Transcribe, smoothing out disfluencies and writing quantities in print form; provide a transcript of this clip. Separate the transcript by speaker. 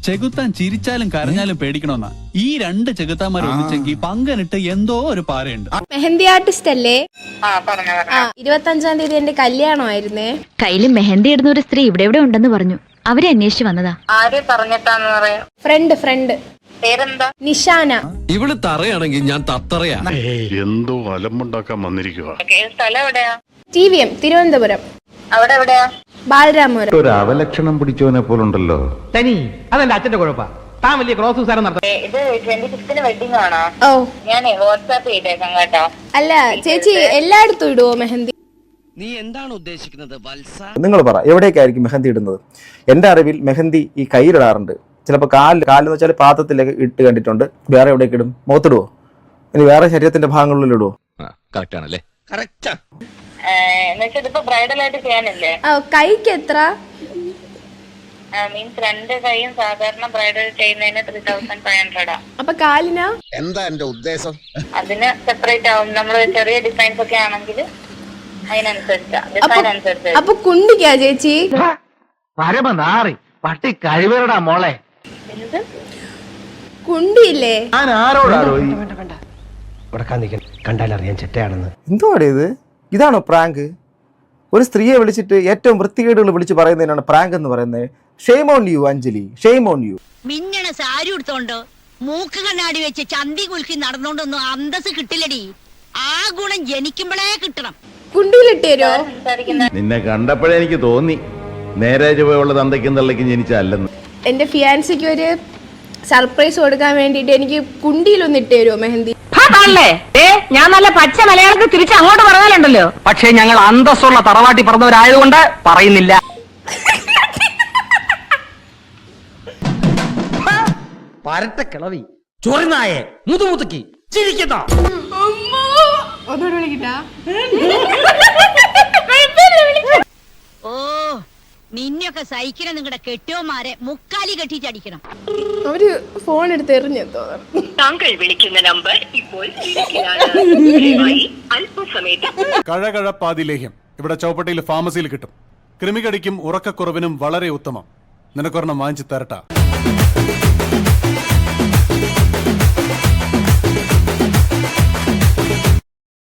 Speaker 1: ചെകുത്താൻ ചിരിച്ചാലും കരഞ്ഞാലും പേടിക്കണമെന്നാ. ഈ രണ്ട് ചെകുത്താന്മാർ ഒന്നിച്ചെങ്കിൽ പങ്കനിട്ട് എന്തോ ഒരു പാരയുണ്ട്.
Speaker 2: മെഹന്തി ആർട്ടിസ്റ്റ് അല്ലേ? 25-ാം തീയതി എന്റെ കല്യാണമായിരുന്നേ.
Speaker 3: കയ്യില് മെഹന്തി ഇടുന്ന ഒരു സ്ത്രീ ഇവിടെ ഉണ്ടെന്ന് പറഞ്ഞു. അവരെ അന്വേഷിച്ചു വന്നതാ.
Speaker 4: ആരെ പറഞ്ഞിട്ടാന്ന് പറയാ?
Speaker 2: ഫ്രണ്ട്
Speaker 4: പേരെന്താ?
Speaker 2: നിഷാന.
Speaker 5: ഇവള് തറയാണെങ്കിൽ ഞാൻ തത്തറയാ.
Speaker 6: എന്തോ അലമ്പുണ്ടാക്കാൻ വന്നിരിക്കുക.
Speaker 4: സ്ഥലം എവിടെയാ?
Speaker 2: TVM തിരുവനന്തപുരം.
Speaker 4: അവിടെ എവിടെയാ?
Speaker 2: ബാലരാമപുരം.
Speaker 7: ഒരു അവലക്ഷണം പിടിച്ചവനെ പോലുണ്ടല്ലോ.
Speaker 8: തനി അതെന്റെ അച്ഛന്റെ കുഴപ്പ. താൻ വലിയ ക്രോസ് സാരം നടത്താം.
Speaker 4: ഇത് 25th വെഡിങ് ആണോ?
Speaker 2: ഓ
Speaker 4: ഞാനേ വാട്സാപ്പ് ചെയ്തേക്കാം കേട്ടോ.
Speaker 2: അല്ല ചേച്ചി എല്ലായിടത്തും ഇടുവോ മെഹന്തി?
Speaker 5: നീ എന്താണ് ഉദ്ദേശിക്കുന്നത് വത്സ?
Speaker 9: നിങ്ങൾ പറ, എവിടേക്കായിരിക്കും മെഹന്തി ഇടുന്നത്? എൻ്റെ അറിവിൽ മെഹന്തി ഈ കയ്യിലിടാറുണ്ട്. ചിലപ്പോൾ കാലെന്ന് വെച്ചാൽ പാത്രത്തിലേക്ക് ഇട്ട് കണ്ടിട്ടുണ്ട്. വേറെ എവിടേക്ക് ഇടും? മുഖത്തിടുവോ? ഇനി വേറെ ശരീരത്തിന്റെ ഭാഗങ്ങളിൽ ഇടുവോ?
Speaker 5: കറക്റ്റ് ആണല്ലേ? കറക്റ്റാ.
Speaker 4: എന്നുവെച്ചാൽ ഇതിപ്പോ ബ്രൈഡൽ ആയിട്ട് ചെയ്യാനല്ലേ?
Speaker 2: കൈക്ക് എത്ര?
Speaker 4: മീൻസ് രണ്ട് കൈയും സാധാരണ ബ്രൈഡൽ ചെയ്യുന്നതിന് 3500.
Speaker 2: അപ്പൊ കാലിനാ?
Speaker 5: എന്താ എന്റെ ഉദ്ദേശം?
Speaker 4: അതിന് സെപ്പറേറ്റ് ആവും. നമ്മള് ചെറിയ ഡിസൈൻസ് ഒക്കെ ആണെങ്കിൽ അതിനനുസരിച്ചാ, ഡിസൈൻ അനുസരിച്ച്.
Speaker 2: അപ്പൊ കുണ്ടിക്കാ ചേച്ചി?
Speaker 8: പരമനാറി പട്ടി കഴിവേറടാ മോളെ.
Speaker 4: എന്ത്
Speaker 2: കുണ്ടിയില്ലേ?
Speaker 9: ഞാൻ ആരോടാണോ
Speaker 8: കണ്ടാലറിയാൻ ചെറ്റയാണെന്ന്.
Speaker 9: എന്തുവാടേ ഇത്? ഇതാണോ പ്രാങ്ക്? ഒരു സ്ത്രീയെ വിളിച്ചിട്ട് ഏറ്റവും വൃത്തികേടുകൾ വിളിച്ച് പറയുന്നതിനാണ് പ്രാങ്ക് എന്ന് പറയുന്നത്. Shame on you Anjali, shame on you.
Speaker 3: മിന്നണ സാരി എടുത്തോണ്ട് മൂക്ക് കണ്ണാടി വെച്ച് ചന്തി കുലുക്കി നടന്നോണ്ടൊന്നും അന്തസ് കിട്ടില്ലടി. ആ ഗുണം ജനിക്കുമ്പോഴേ കിട്ടണം.
Speaker 2: കുണ്ടിയിലിട്ട് തരുമോ?
Speaker 7: നിന്നെ കണ്ടപ്പോഴേ എനിക്ക് തോന്നി നേരെ ചുവയുള്ള തന്തയ്ക്കും തള്ളയ്ക്കും ജനിച്ചല്ലെന്ന്.
Speaker 2: എന്റെ ഫിയാൻസിക്ക് ഒരു സർപ്രൈസ് കൊടുക്കാൻ വേണ്ടിട്ട് എനിക്ക് കുണ്ടിയിലൊന്ന് ഇട്ട് തരുമോ മെഹന്തി?
Speaker 8: ഞാൻ നല്ല പച്ച മലയാളത്തിൽ തിരിച്ച് അങ്ങോട്ട് പറഞ്ഞാലുണ്ടല്ലോ. പക്ഷെ ഞങ്ങൾ അന്തസ്സുള്ള തറവാട്ടി പറഞ്ഞവരായതുകൊണ്ട് പറയുന്നില്ല. പരട്ട കിളവി ചൊറിനായെ മുതുമുതുക്കി ചിരിക്കുന്ന
Speaker 3: ഓ നിന്നെയൊക്കെ സഹിക്കണ നിങ്ങളുടെ കെട്ടിയോമാരെ മുക്കാലി കെട്ടിച്ചടിക്കണം.
Speaker 2: അവര് ഫോൺ എടുത്ത് എറിഞ്ഞു തോന്നുന്നു.
Speaker 4: താങ്കൾ വിളിക്കുന്ന നമ്പർ ഇപ്പോൾ
Speaker 6: കഴകഴപ്പാതി ലേഹ്യം ഇവിടെ ചൗപ്പട്ടിയിൽ ഫാർമസിയിൽ കിട്ടും. കൃമികടിക്കും ഉറക്കക്കുറവിനും വളരെ ഉത്തമം. നിനക്കൊരെണ്ണം വാങ്ങിച്ചു തരട്ടാ.